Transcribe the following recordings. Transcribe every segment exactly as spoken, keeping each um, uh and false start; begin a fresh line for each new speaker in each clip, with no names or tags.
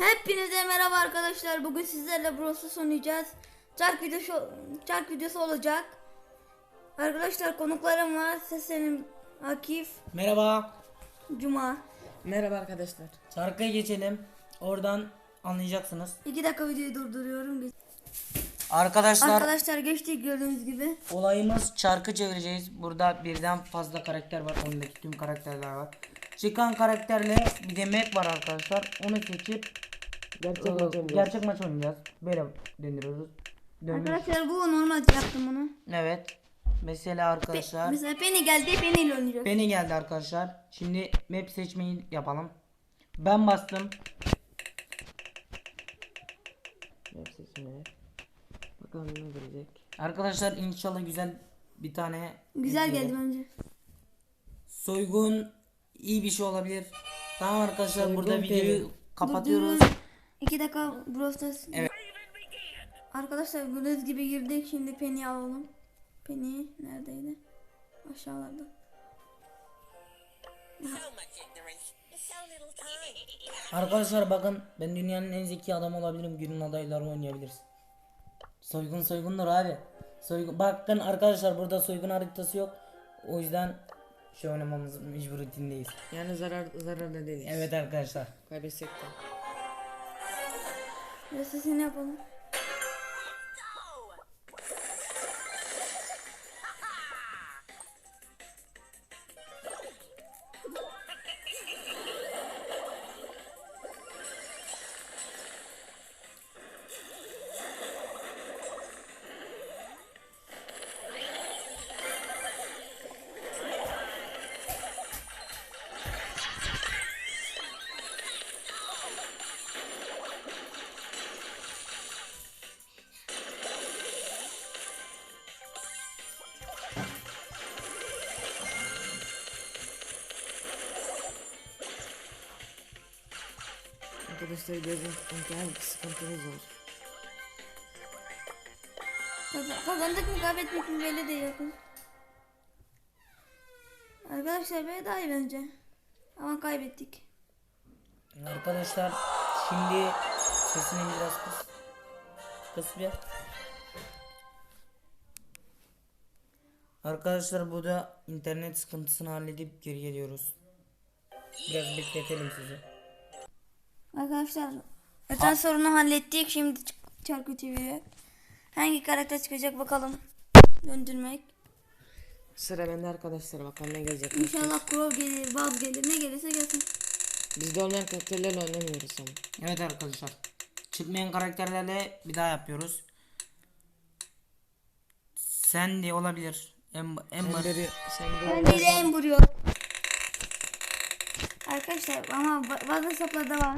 Hepinize merhaba arkadaşlar. Bugün sizlerle Brawl Stars oynayacağız. Çark videosu, çark videosu olacak. Arkadaşlar konuklarım var. Seslenim Akif,
Merhaba.
Cuma.
Merhaba arkadaşlar.
Şarkıya geçelim. Oradan anlayacaksınız.
iki dakika videoyu durduruyorum.
Arkadaşlar,
Arkadaşlar geçtik gördüğünüz gibi.
olayımız çarkı çevireceğiz. Burada birden fazla karakter var. Ondaki tüm karakterler var. Çıkan karakterle bir de map var arkadaşlar. Onu seçip
Gerçek
e,
maç oynayacağız.
gerçek maç oynayacağız. Böyle döndürüyoruz. Dönüş.
Arkadaşlar bu normal yaptım bunu.
Evet. Mesela arkadaşlar.
Mesela Penny geldi. Penny ile oynayacağız.
Beni geldi arkadaşlar. Şimdi map seçmeyi yapalım. Ben bastım.
Map seçimi. Bakalım ne gelecek.
Arkadaşlar inşallah güzel bir tane
Güzel
video
geldi
gelir.
bence.
Soygun iyi bir şey olabilir. Tamam arkadaşlar,
Soygun
burada
Penny.
videoyu kapatıyoruz.
iki dakika Brawl Stars.
Evet.
Arkadaşlar gördüğünüz gibi girdik. Şimdi Penny alalım. Penny neredeydi? Aşağılarda.
Arkadaşlar bakın, ben dünyanın en zeki adamı olabilirim. Günün adayları oynayabiliriz. Soygun soygundur abi. Soygun. Bakın arkadaşlar, burada soygun haritası yok. O yüzden şey oynamamız mecburiyetindeyiz.
Yani zarar zararlı değiliz.
Evet arkadaşlar.
Kaybetsek de.
Ve sesini yapalım.
Arkadaşlar gözüm imtihan sıkıntımız var.
Kaz- Kazandık mı kaybettik mi belli değil yakın. Arkadaşlar böyle daha iyi bence. Ama kaybettik.
Arkadaşlar şimdi sesini biraz kıs. Kıs bir. Arkadaşlar burada internet sıkıntısını halledip geri geliyoruz. Biraz bekletelim sizi.
Arkadaşlar öten sorunu hallettik. Şimdi ç- çarkı çeviriyor. Hangi karakter çıkacak bakalım. Döndürmek.
Sıra bende arkadaşlar, bakalım ne gelecek.
İnşallah Crow gelir, Buzz gelir. Ne gelirse gelsin.
Bizde olmayan karakterlerle oynamıyoruz ama.
Evet arkadaşlar, çıkmayan karakterlerle bir daha yapıyoruz. Sandy olabilir. Em Ember.
Ember'i sen
Ben
de
bir de en vuruyor. Arkadaşlar ama ba- bazı hesaplarda var.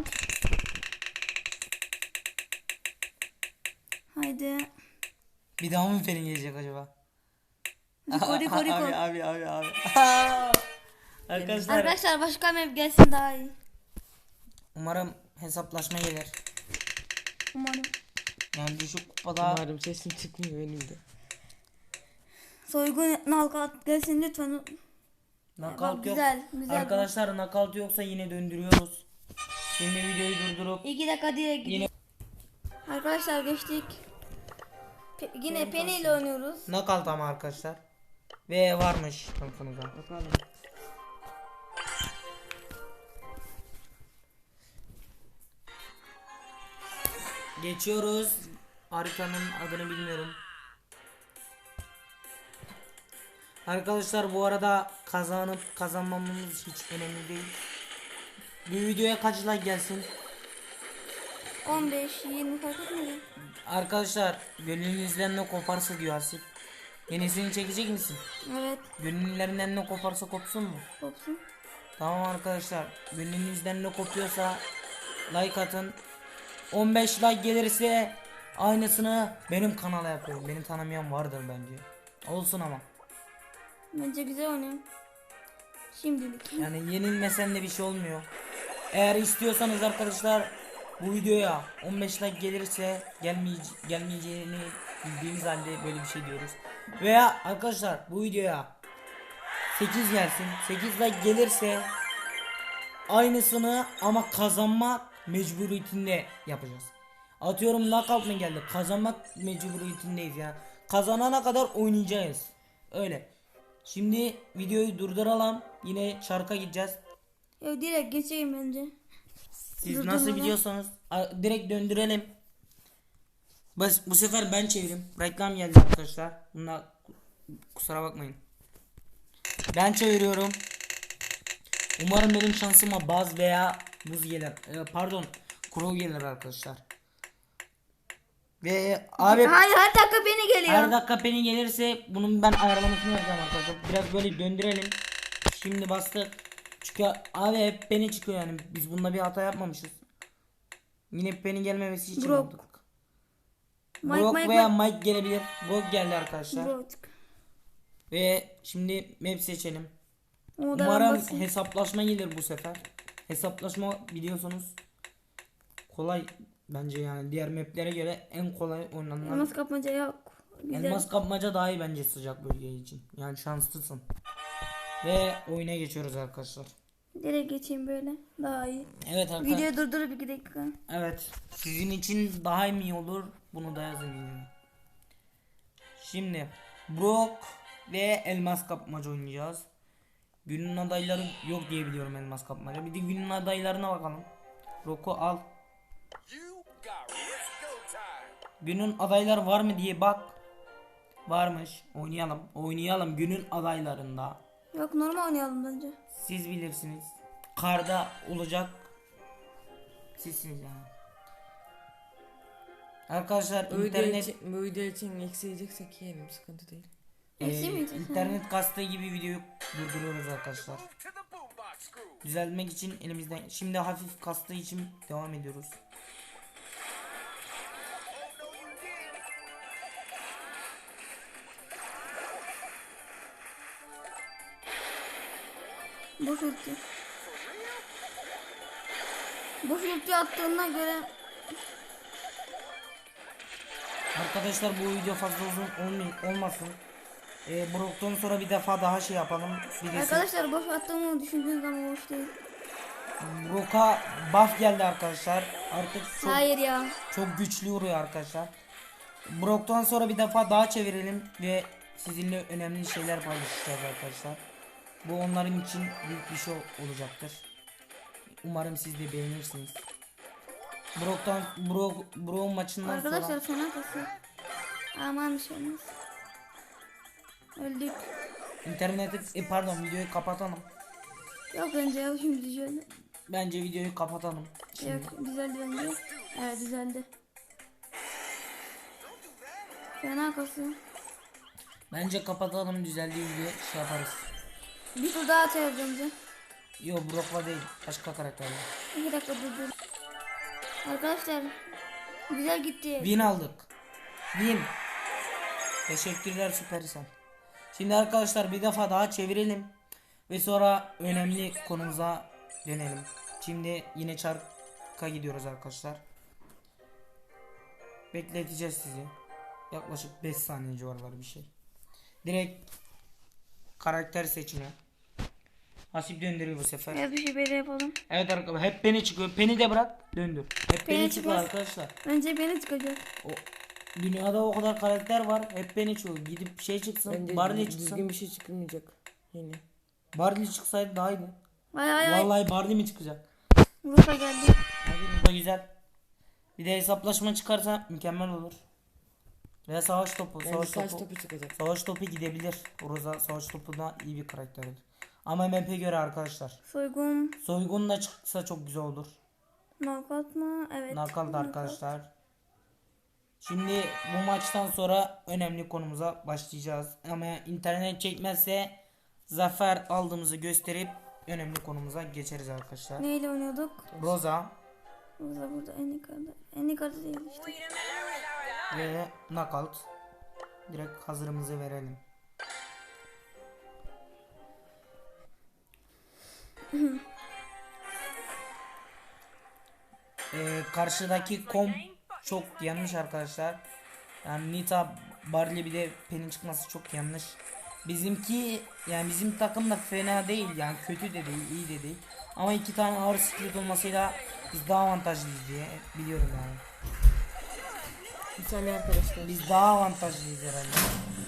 Haydi.
Bir daha mı Ferin gelecek acaba?
Riko Riko Riko.
Abi abi abi abi. Arkadaşlar
Arkadaşlar başka map gelsin daha iyi.
umarım hesaplaşma gelir.
Umarım.
Yani düşük kupada
umarım sesim çıkmıyor benim de.
Soygun knockout gelsin lütfen.
knockout
Bak,
yok.
güzel, güzel.
Arkadaşlar knockout yoksa yine döndürüyoruz. Şimdi videoyu durdurup
İki dakika diye gidiyor.
yine
Arkadaşlar geçtik. Pe- yine Penny ile oynuyoruz.
knockout ama arkadaşlar. Ve varmış tanıtımıza.
Bakalım.
Geçiyoruz. Haritanın adını bilmiyorum. Arkadaşlar bu arada kazanıp kazanmamamız hiç önemli değil. Bu videoya kaç like gelsin?
on beş yirmi fark etmiyor.
Arkadaşlar gönlünüzden ne koparsa diyor Asif. Yenisini çekecek misin?
Evet.
Gönüllerinden ne koparsa kopsun mu?
Kopsun.
Tamam arkadaşlar, gönlünüzden ne kopuyorsa like atın. on beş like gelirse aynısını benim kanala yapıyorum. Beni tanımayan vardır bence. Olsun ama.
Bence güzel oynuyor. Şimdilik.
Yani yenilmesen de bir şey olmuyor. Eğer istiyorsanız arkadaşlar bu videoya on beş like gelirse gelmeye gelmeyeceğini bildiğimiz halde böyle bir şey diyoruz. Veya arkadaşlar bu videoya sekiz gelsin. sekiz like gelirse aynısını ama kazanma mecburiyetinde yapacağız. Atıyorum knockout mı geldi? Kazanmak mecburiyetindeyiz ya. Kazanana kadar oynayacağız. Öyle. Şimdi videoyu durduralım. Yine şarka gideceğiz.
Ya direkt geçeyim bence.
Siz
Durdurmadan.
nasıl biliyorsanız a- direkt döndürelim. Bas, bu sefer ben çevireyim. Reklam geldi arkadaşlar. Bunda kusura bakmayın. Ben çeviriyorum. Umarım benim şansıma baz veya buz gelir. Ee, pardon, kuru gelir arkadaşlar. Ve abi
Hayır, her dakika beni geliyor.
her dakika peni gelirse bunun ben ayarlamasını yapacağım arkadaşlar. Biraz böyle döndürelim. Şimdi bastık. Çünkü abi hep peni çıkıyor yani. Biz bunda bir hata yapmamışız. Yine peni gelmemesi için
Brock.
yaptık.
Mike,
Brock
Mike,
veya
Mike.
Mike gelebilir. Brock geldi arkadaşlar.
Brock.
Ve şimdi map seçelim.
O da
Umarım
basit.
hesaplaşma gelir bu sefer. Hesaplaşma biliyorsunuz kolay bence, yani diğer maplere göre en kolay oynanan.
Elmas kapmaca yok. Güzel.
Elmas kapmaca daha iyi bence sıcak bölge için. Yani şanslısın. Ve oyuna geçiyoruz arkadaşlar.
Direkt geçeyim böyle. Daha iyi.
Evet arkadaşlar.
Videoyu durdurup iki dakika.
Evet. Sizin için daha iyi olur. Bunu da yazın yani. Şimdi Brock ve elmas kapmaca oynayacağız. Günün adayları yok diye biliyorum elmas kapmaca. Bir de günün adaylarına bakalım. Brock'u al. Günün adayları var mı diye bak. Varmış. Oynayalım. Oynayalım günün adaylarında.
Yok, normal oynayalım bence.
Siz bilirsiniz. Karda olacak. Sizsiniz yani. Arkadaşlar
Bu video
internet
için, bu video için eksi yiyeceksek yiyelim, sıkıntı değil.
e,
Eksi mi yiyeceğiz?
internet kastığı gibi videoyu durduruyoruz arkadaşlar. Düzeltmek için elimizden, şimdi hafif kastığı için devam ediyoruz.
Boş ulti. Boş ulti attığına göre
Arkadaşlar bu video fazla uzun olmay- olmasın. E, Brock'tan sonra bir defa daha şey yapalım. Birisi
arkadaşlar boş attığımı düşündüğünüz zaman boş değil.
Brock'a buff geldi arkadaşlar. Artık çok
Hayır ya.
çok güçlü vuruyor arkadaşlar. Brock'tan sonra bir defa daha çevirelim ve sizinle önemli şeyler paylaşacağız arkadaşlar. Bu onların için büyük bir şey olacaktır. Umarım siz de beğenirsiniz. Brock'tan Brock Brock maçından
Arkadaşlar
sonra
fena kasıyor. Aman bir şey olmaz. Öldük.
interneti e, pardon videoyu kapatalım.
Yok bence ya, şimdi düzeldi.
Bence videoyu kapatalım. Şimdi.
Yok, düzeldi bence. Evet, düzeldi. Fena kasıyor.
Bence kapatalım, düzeldiği video şey yaparız.
Bir tur daha atacağız bence.
Yo Brock'la değil, başka karakterle.
İki dakika durdur. Arkadaşlar güzel gitti.
Win aldık. Win. Teşekkürler Süpersel. Şimdi arkadaşlar bir defa daha çevirelim. Ve sonra önemli konumuza dönelim. Şimdi yine çarka gidiyoruz arkadaşlar. Bekleteceğiz sizi. Yaklaşık beş saniye civarları bir şey. Direkt karakter seçimi. Hasip döndürüyor bu sefer.
Ya bir şey böyle yapalım.
Evet arkadaşlar, hep beni çıkıyor. Peni de bırak, döndür. Hep beni
Penny
çıkıyor
çıkmaz.
arkadaşlar.
Bence beni çıkacak.
O dünyada o kadar karakter var. Hep beni çıkıyor. Gidip şey çıksın.
Bence
Barley
düz-
çıksın.
düzgün bir şey çıkmayacak yine.
Barley çıksaydı daha iyiydi.
Hay hay hay.
Vallahi Barley mi çıkacak?
Rufa geldi.
Hadi bu da güzel. Bir de hesaplaşma çıkarsa mükemmel olur. Veya savaş topu.
Bence
Savaş
saç
topu.
topu çıkacak.
Savaş topu gidebilir. Roza savaş topu da iyi bir karakterdir. Ama map'e göre arkadaşlar.
Soygun.
Soygun da çıksa çok güzel olur.
Knockout mı? Evet.
Knockout
knockout.
arkadaşlar. Şimdi bu maçtan sonra önemli konumuza başlayacağız. Ama internet çekmezse zafer aldığımızı gösterip önemli konumuza geçeriz arkadaşlar.
Neyle oynuyorduk?
Roza
Burada burada en yukarıda. En yukarıda değil işte.
ve Knockout. Direkt hazırımızı verelim. Ee, karşıdaki kom çok yanlış arkadaşlar. Yani Nita, Barley bir de Penny çıkması çok yanlış. Bizimki yani bizim takım da fena değil, yani kötü de değil, iyi de değil. Ama iki tane ağır split olmasıyla biz daha avantajlıyız diye biliyorum yani.
Bir saniye arkadaşlar.
Biz daha avantajlıyız herhalde.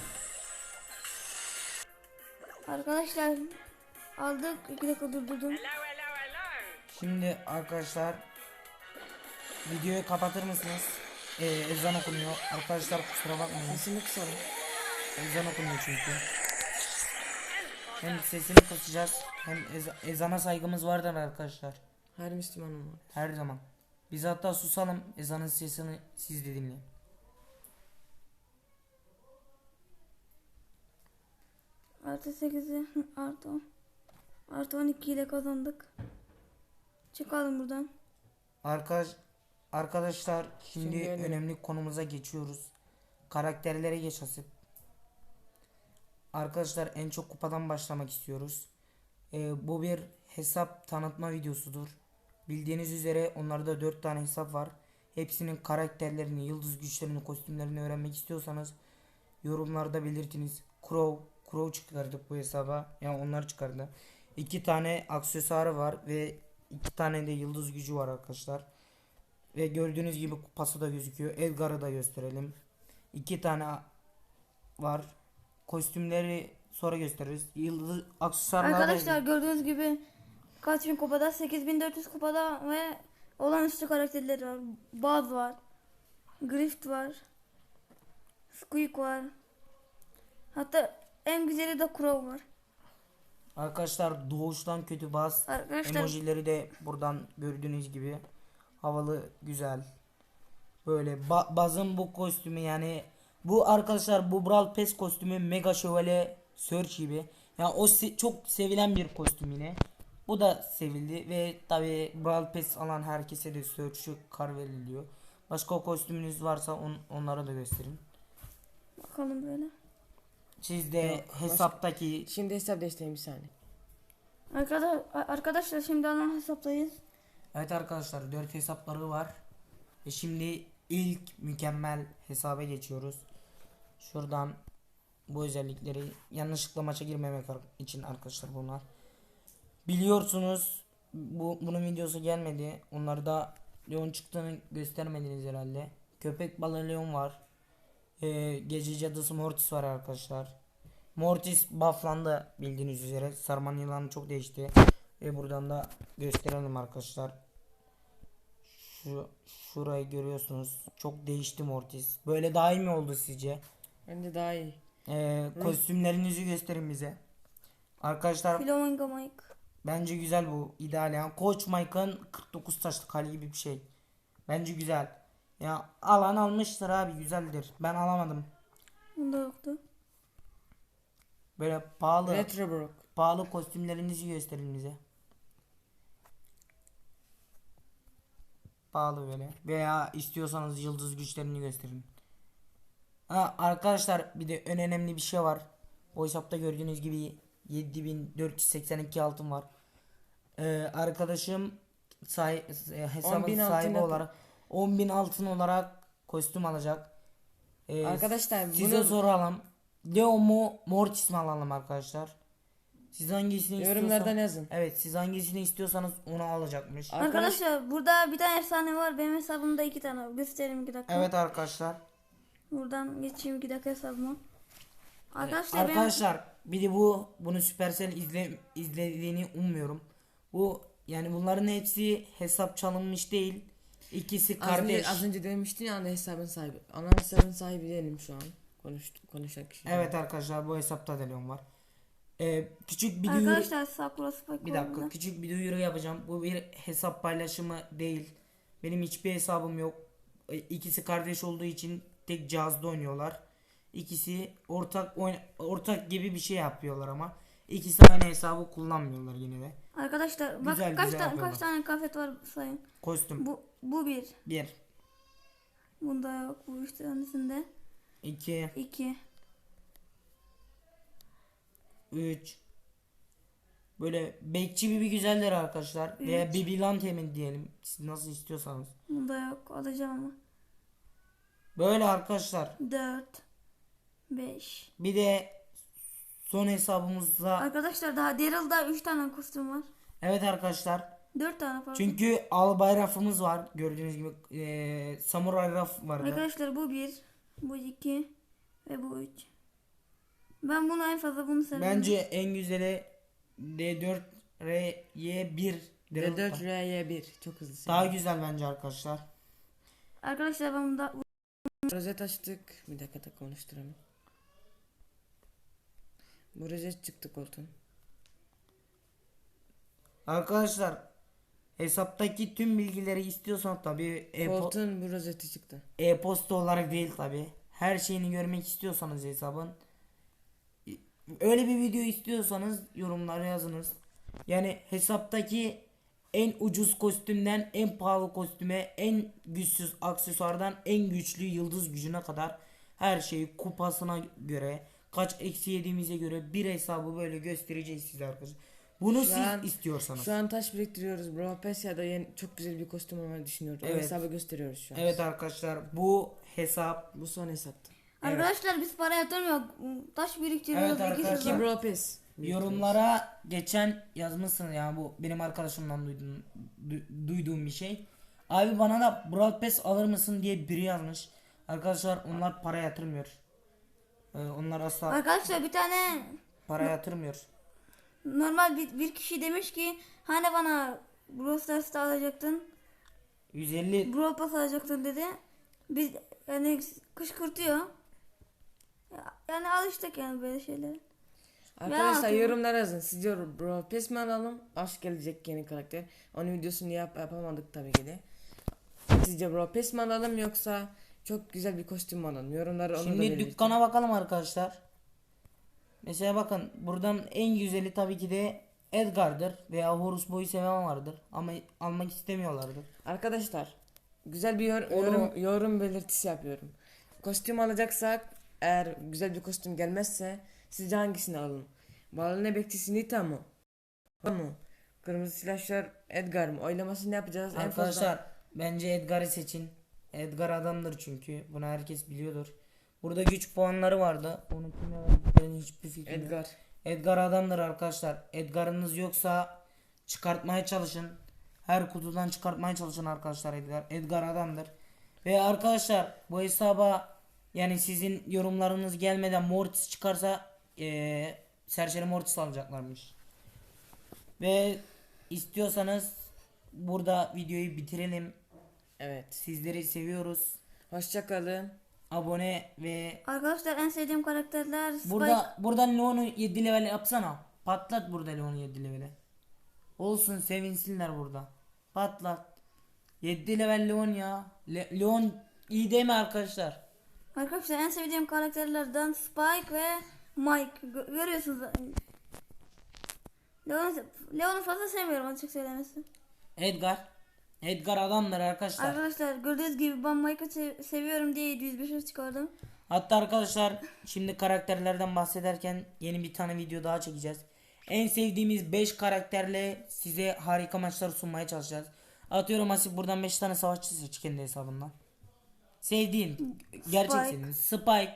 Arkadaşlar aldık. iki dakika durdurdum.
Şimdi arkadaşlar videoyu kapatır mısınız? Ee, ezan okunuyor. Arkadaşlar kusura bakmayın.
Sesini kısalım.
Ezan okunuyor çünkü. Hem sesini kısacağız hem ez- ezana saygımız vardır arkadaşlar.
Her Müslümanın var.
Her zaman. Biz hatta susalım, ezanın sesini siz de dinleyin.
Artı sekizi artı on. Artı on iki ile kazandık. Çıkalım buradan.
Arkadaş arkadaşlar şimdi,
Şimdi önemli.
önemli konumuza geçiyoruz. Karakterlere geç Hasip. Arkadaşlar en çok kupadan başlamak istiyoruz. Ee, bu bir hesap tanıtma videosudur. Bildiğiniz üzere onlarda dört tane hesap var. Hepsinin karakterlerini, yıldız güçlerini, kostümlerini öğrenmek istiyorsanız yorumlarda belirtiniz. Crow, Crow çıkardık bu hesaba. Yani onlar çıkardı. İki tane aksesuarı var ve iki tane de yıldız gücü var arkadaşlar. Ve gördüğünüz gibi kupası da gözüküyor. Edgar'ı da gösterelim. İki tane var. Kostümleri sonra gösteririz. Yıldız aksesuarlar
Arkadaşlar gördüğünüz gibi kaç bin kupada? sekiz bin dört yüz kupada ve olağanüstü karakterleri var. Buzz var. Grift var. Squeak var. Hatta en güzeli de Crow var.
Arkadaşlar doğuştan kötü baz.
Arkadaşlar
Emojileri de buradan gördüğünüz gibi havalı, güzel. Böyle ba- bazın bu kostümü, yani bu arkadaşlar bu Brawl Pass kostümü Mega Şövalye Search gibi. Yani o se- çok sevilen bir kostüm yine. Bu da sevildi ve tabi Brawl Pass alan herkese de Search'ü kar veriliyor. Başka kostümünüz varsa on- onları da gösterin.
bakalım böyle.
Siz de
Yok, başka-
hesaptaki
Şimdi hesap desteğim bir saniye.
Arkadaşlar, arkadaşlar şimdi ana hesaptayız.
Evet arkadaşlar dört hesapları var. Ve şimdi ilk mükemmel hesaba geçiyoruz. Şuradan bu özellikleri, yanlışlıkla maça girmemek ar- için arkadaşlar bunlar. Biliyorsunuz bu bunun videosu gelmedi. Onlarda Leon çıktığını göstermediniz herhalde. Köpek balığı Leon var. Ee, gece cadısı Mortis var arkadaşlar. Mortis bufflandı bildiğiniz üzere. Sarman yılanı çok değişti. Ve buradan da gösterelim arkadaşlar. Şu şurayı görüyorsunuz. Çok değişti Mortis. Böyle daha iyi mi oldu sizce?
Bence daha iyi.
Ee, kostümlerinizi gösterin bize. Arkadaşlar
Flamingo Mike.
bence güzel bu. İdeal yani. Koç Mike'ın kırk dokuz taşlık hali gibi bir şey. Bence güzel. Ya alan almıştır abi, güzeldir. Ben alamadım.
Bunda yoktu.
Böyle pahalı
Retro Brock.
pahalı kostümlerinizi gösterin bize. Pahalı böyle. Veya istiyorsanız yıldız güçlerini gösterin. Ha, arkadaşlar bir de en önemli bir şey var. O hesapta gördüğünüz gibi yedi bin dört yüz seksen iki altın var. Ee, arkadaşım say hesabın
on bin
sahibi
altın
olarak on bin altın olarak kostüm alacak. Ee,
Arkadaşlar
size
bunu
soralım. Leo mu Mortis mi alalım arkadaşlar? Siz hangisini
yorumlardan
istiyorsanız,
yazın.
evet siz hangisini istiyorsanız onu alacakmış.
Arkadaş-
Arkadaşlar burada bir tane efsane var. Benim hesabımda iki tane var. Göstereyim iki dakika.
Evet arkadaşlar.
Buradan geçeyim iki dakika hesabıma. Arkadaşlar, benim-
Arkadaşlar bir de bu bunu Supercell izle, izlediğini ummuyorum. Bu yani bunların hepsi hesap çalınmış değil. İkisi
az
kardeş.
önce, az önce demiştin ya ana hesabın sahibi. Ana hesabın sahibi değilim şu an. Konuştuk, konuşan kişi.
Evet arkadaşlar bu hesapta da Leon var. Ee, küçük bir duyuru,
Arkadaşlar Sakura Spike
bir
var
dakika
burada.
küçük bir duyuru yapacağım. Bu bir hesap paylaşımı değil. Benim hiçbir hesabım yok. E, İkisi kardeş olduğu için tek cihazda oynuyorlar. İkisi ortak oyn- ortak gibi bir şey yapıyorlar ama ikisi aynı hesabı kullanmıyorlar yine de.
Arkadaşlar bak
Güzel,
kaç
güzel
tane
yapıyorlar.
kaç tane kafet var sayın.
Kostüm
Bu bu bir.
bir,
Bunda yok. Bu üç tanesinde.
iki,
iki.
üç. Böyle bekçi bir güzeller arkadaşlar. Veya Bibilan temin diyelim. Siz nasıl istiyorsanız.
Bunda yok. Alacağım ama.
Böyle arkadaşlar.
dört. beş.
Bir de son hesabımızda
Arkadaşlar daha Daryl'da üç tane kostüm var.
Evet arkadaşlar.
Dört tane pardon.
Çünkü albay rafımız var. Gördüğünüz gibi eee samuray raf vardı.
Arkadaşlar bu bir, bu iki ve bu üç. Ben bunu en fazla bunu seviyorum.
Bence en güzeli D dört R Y bir.
D dört R Y bir çok hızlı.
Daha
seviyorum.
güzel bence arkadaşlar.
Arkadaşlar ben bunu da
Rozet açtık. Bir dakika da konuşturalım. Bu rozet çıktı koltuğun.
Arkadaşlar hesaptaki tüm bilgileri istiyorsan tabii e-po-
Koltuğun bu rozeti çıktı.
e-posta olarak değil tabii. Her şeyini görmek istiyorsanız hesabın, öyle bir video istiyorsanız yorumlara yazınız. Yani hesaptaki en ucuz kostümden en pahalı kostüme, en güçsüz aksesuardan en güçlü yıldız gücüne kadar her şeyi kupasına göre, kaç eksi yediğimize göre bir hesabı böyle göstereceğiz size arkadaşlar. Bunu
Şu
siz
an-
istiyorsanız.
Şu an taş biriktiriyoruz. Bro Pesia'da yeni çok güzel bir kostüm olmayı düşünüyoruz. O
Evet.
hesabı gösteriyoruz şu an.
Evet arkadaşlar, bu hesap
Bu son hesaptı.
arkadaşlar biz para yatırmıyor. Taş biriktiriyoruz.
Evet
iki
arkadaşlar.
sezon.
İki Bro Pes.
yorumlara geçen yazmışsın ya, bu benim arkadaşımdan duyduğum, du- duyduğum bir şey. Abi bana da Brawl Pass alır mısın diye biri yazmış. Arkadaşlar onlar para yatırmıyor. Ee, onlar asla
Arkadaşlar bir tane
para yatırmıyor.
normal bir, bir kişi demiş ki hani bana Brawl Stars'ta alacaktın.
yüz elli
Brawl Pass alacaktın dedi. Biz yani kışkırtıyor. Ya- Yani alıştık yani böyle şeylere.
Arkadaşlar
Ya,
yorumlara yazın. Sizce Bro Pes mi alalım? Aşk gelecek yeni karakter. Onun videosunu yap yapamadık tabii ki de. Sizce Bro Pes mi alalım yoksa çok güzel bir kostüm mü alalım? Yorumlara onu da
Şimdi
belirtin.
dükkana bakalım arkadaşlar. Mesela bakın, buradan en güzeli tabii ki de Edgar'dır veya Horus Boy'u seven vardır ama almak istemiyorlardır.
Arkadaşlar güzel bir yor-
Onu-
yorum, yorum belirtisi yapıyorum. Kostüm alacaksak eğer güzel bir kostüm gelmezse sizce hangisini alalım? Balone bekçisi Nita mı? O mu? Kırmızı silahşör Edgar mı? Oylamasını yapacağız. En fazla
Arkadaşlar bence Edgar'ı seçin. Edgar adamdır çünkü. Bunu herkes biliyordur. Burada güç puanları vardı. Onu kime verdiklerini hiçbir fikrim yok.
Edgar.
Edgar adamdır arkadaşlar. Edgar'ınız yoksa çıkartmaya çalışın. Her kutudan çıkartmaya çalışın arkadaşlar Edgar. Edgar adamdır. Ve arkadaşlar bu hesaba, yani sizin yorumlarınız gelmeden Mortis çıkarsa eee Serçeli Mortis alacaklarmış. Ve istiyorsanız burada videoyu bitirelim.
Evet.
Sizleri seviyoruz.
Hoşça kalın.
Abone ve
Arkadaşlar en sevdiğim karakterler Spike.
burada buradan Leon'u yedi level yapsana. Patlat burada Leon'u yedi levele. Olsun, sevinsinler burada. Patlat. yedi level Leon ya. Le- Leon iyi değil mi arkadaşlar?
Arkadaşlar en sevdiğim karakterlerden Spike ve Mike. Gö- görüyorsunuz. Leon'u Leon'u fazla sevmiyorum açık söylemesi.
Edgar. Edgar adamdır arkadaşlar.
Arkadaşlar gördüğünüz gibi ben Mike'ı sev- seviyorum diye yedi yüz beşe çıkardım.
Hatta arkadaşlar şimdi karakterlerden bahsederken yeni bir tane video daha çekeceğiz. En sevdiğimiz beş karakterle size harika maçlar sunmaya çalışacağız. Atıyorum Asif buradan beş tane savaşçı seç kendi hesabından. Sevdiğin, gerçek
Spike.
sevdiğin. Spike.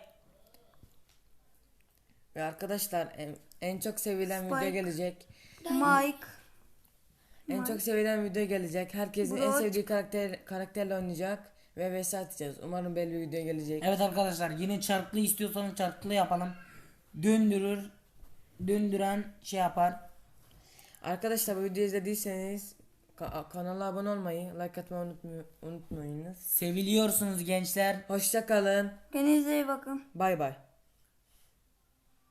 Ve arkadaşlar en, en çok sevilen
Spike.
video gelecek.
Mike.
En çok sevilen video gelecek. Herkesin en
Brock.
sevdiği karakter karakterle oynayacak ve vs atacağız. Umarım belli bir video gelecek.
Evet arkadaşlar, yine çarklı istiyorsanız çarklı yapalım. Döndürür. Döndüren şey yapar.
Arkadaşlar bu videoyu izlediyseniz ka- kanala abone olmayı, like atmayı unutmuy- unutmayınız.
Seviliyorsunuz gençler.
Hoşça kalın.
Kendinize iyi bakın.
Bay bay.